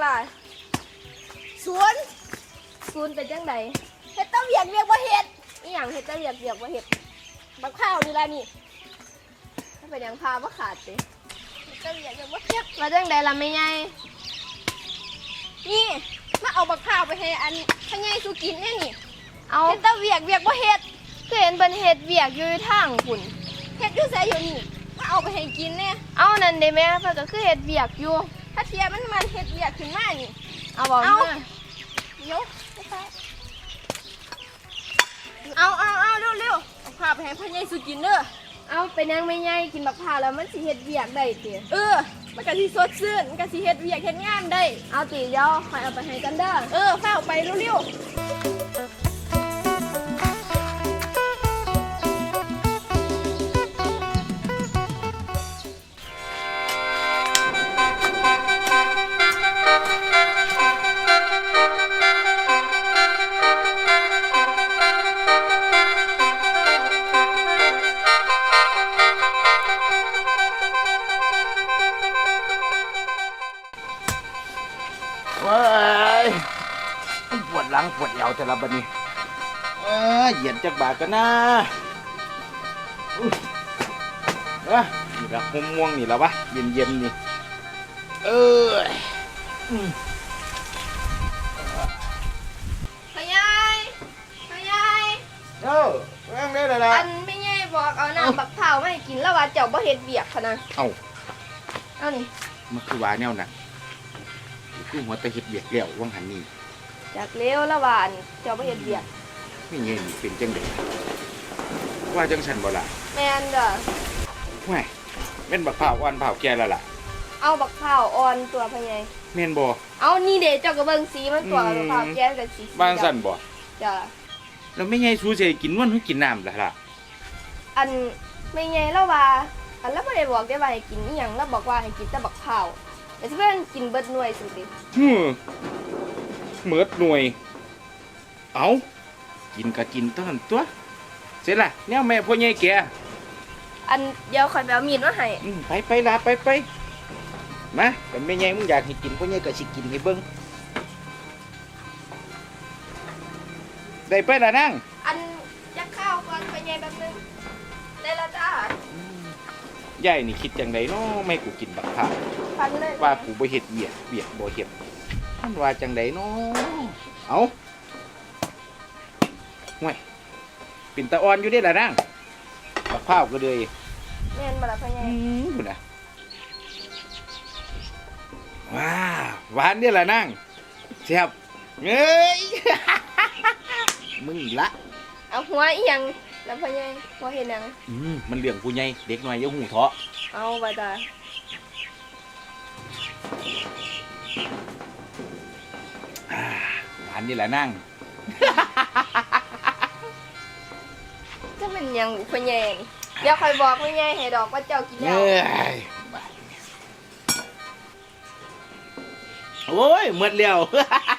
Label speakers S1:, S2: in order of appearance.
S1: ศูนย์เป็นจังไดเฮ็ดตะเวียกบ่เฮ็ดอีหยังเฮ็ดตะเวียกบ่เฮ็ดบักข้าวนี่ล่ะนี่ถ้าเป็นหยังพาบ่ขาดสิเฮ็ดตะเวียกบ่เฮ็ดมาจังไดล่ะแม่ใหญ่นี่มาเอาบักข้าวไปให้อันพ่อใหญ่สุกินแน่นี่เอาเฮ็ดตะเวียกบ่เฮ็ดก็เห็นเพิ่นเฮ็ดเวียกอยู่ทางพุ่นเฮ็ดอยู่ไสอยู่นี่มาเอาไปให้กินแน่เอานั่นเด้แม่เพิ่นก็คือเฮ็ดเวียกอยู่ถ้าเทียมันเฮ็ดเวียกขึ้นมานี่เอาบ่เอาเดี๋ยวเอาเร็วเอาพาไปให้พ่อใหญ่สุกินเด้อเอาเป็นยังไม่ใหญ่กินบักพร้าวแล้วมันสิเฮ็ดเวียกได้ติมันก็สิสดชื่นมันก็สิเฮ็ดเวียกเฮ็ดงานได้เอาติเดี๋ยวค่อยเอาไปให้กันเด้อพาเอาไปเร็ว
S2: ปวดหลังปวดเอวแต่ละบัดนี้เหยียดจักบาทกันนะนี่ละห่มม่วงนี่ละวะเย็นนี่
S1: พ่อใหญ่
S2: แม่งได้เลยล่ะ
S1: อันไม่ใหญ่บอกเอาน้ำบักพร้าวมาให้กินแล้วว่าเจ้าบ่เฮ็ดเวียกคั่นน่ะเอานี่
S2: มันคือว่าแนวน่ะคือหัวตะเฮ็ดเวียกแล้ววังหันนี่
S1: จากเลี้ยวละวานเจ้าบ่เฮ็ดเวียก
S2: ไม่เงี้ยนี่เป็นจังได๋ว่าจังฉันบ่ล่ะ
S1: แม่นเด้อ
S2: แม่แม่นบักพร้าวอ่อนพร้าวแก่แล้วล่ะ
S1: เอาบักพร้าวอ่อนตัวพ่อใหญ่
S2: แม่นบ่
S1: เอานี่เด้เจ้าก็เบิ่งสีมันตัวบักพร้าวแก่ก็สี
S2: บ้านสั่นบ่
S1: จ้ะ
S2: แล้วไม่ไงสูสิกินวันหรือกินน้ำล่ะ
S1: อันไม่ไงแล้วว่าอันแล้วบ่ได้บอกได้ว่าให้กินอีหยังแล้วบอกว่าให้กินแต่บักพร้าวแต่สิเพิ่นกินเบิดหน่วยสุดดิ
S2: เมิดหน่วยเอากินก็กินเท่านั้นตัวเสร็จละแนวแม่พ่อใหญ่แก
S1: อันเดี๋ยวข่อยไปเอามีดมาให้
S2: ไปลาไปมาเป็นแม่ใหญ่มึงอยากให้กินพ่อใหญ่ก็สิกินให้เบิ่งได้ไปล่ะนาง
S1: อันจะข้าวก่อนพ่อใหญ่แป๊บนึงได้แล้วจ้
S2: ายายนี่คิดจังไดเนาะไม่กูกินบักพร้าวว่ากูบ่เฮ็ดเวียกบ่เฮ็ดมันว่าจังไดเนาะเอาห่วยเป็นตาอ่อนอยู่เด้ล่ะนางบักพร้าวก็เลย
S1: แม่นบ่ล่ะพ่อใหญ่
S2: พุ่นน่ะว้าหวานเด้ล่ะนางแซ่บเอ้ยมึงละ
S1: เอาหัวอีหยังแล้วพ่อใหญ่บ่เฮ็ดหยัง
S2: มันเรื่องผู้ใหญ่เด็กน้อยอย่าหูเถาะ
S1: เอาไว้ตา
S2: หวานนี่แหละนั่ง
S1: จะเป็นยังพ่อใหญ่เดี๋ยวค่อยบอกพ่อใหญ่ให้ดอกว่าเจ้ากินแล้ว
S2: โอ้ยหมดแล้ว